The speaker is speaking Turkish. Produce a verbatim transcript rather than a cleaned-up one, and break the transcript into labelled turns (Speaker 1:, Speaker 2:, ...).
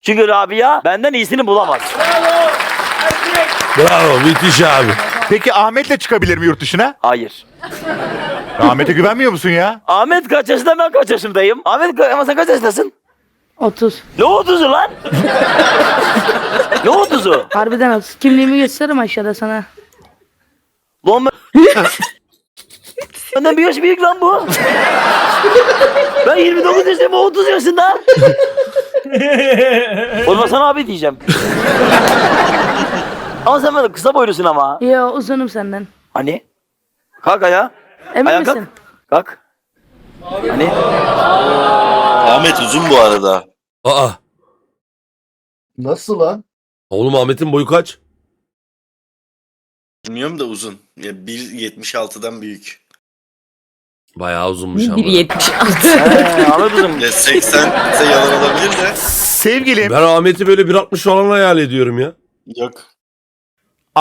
Speaker 1: Çünkü Rabia benden iyisini bulamaz.
Speaker 2: Bravo müthiş abi.
Speaker 3: Peki Ahmet'le çıkabilir mi yurt dışına?
Speaker 1: Hayır.
Speaker 3: Ahmet'e güvenmiyor musun ya?
Speaker 1: Ahmet kaç yaşında, ben kaç yaşındayım? Ahmet ka- ama sen kaç yaşındasın?
Speaker 4: otuz.
Speaker 1: Ne otuzu lan? Ne otuzu?
Speaker 4: Harbiden otuz. Kimliğimi gösteririm aşağıda sana.
Speaker 1: Lan ben... Benden bir yaş büyük lan bu. Ben yirmi dokuz yaşındayım, o otuz yaşında. Oğlum sana abi diyeceğim. Ama sen bana kısa boylusun ama.
Speaker 4: Yo uzunum senden.
Speaker 1: Hani? Kalk ayağa.
Speaker 4: Emin
Speaker 1: Ayağa
Speaker 4: misin?
Speaker 1: kalk. Kalk. Hani?
Speaker 5: Ahmet uzun bu arada.
Speaker 2: Aa.
Speaker 6: Nasıl lan?
Speaker 2: Oğlum Ahmet'in boyu kaç?
Speaker 5: Bilmiyorum da uzun. Ya bir yetmiş altıdan büyük.
Speaker 2: Bayağı uzunmuş ama.
Speaker 7: bir yetmiş altı.
Speaker 1: He, anladım.
Speaker 5: Ya seksen ise yalan olabilir de.
Speaker 3: Sevgilim.
Speaker 2: Ben Ahmet'i böyle bir altmış falan hayal ediyorum ya.
Speaker 5: Yok.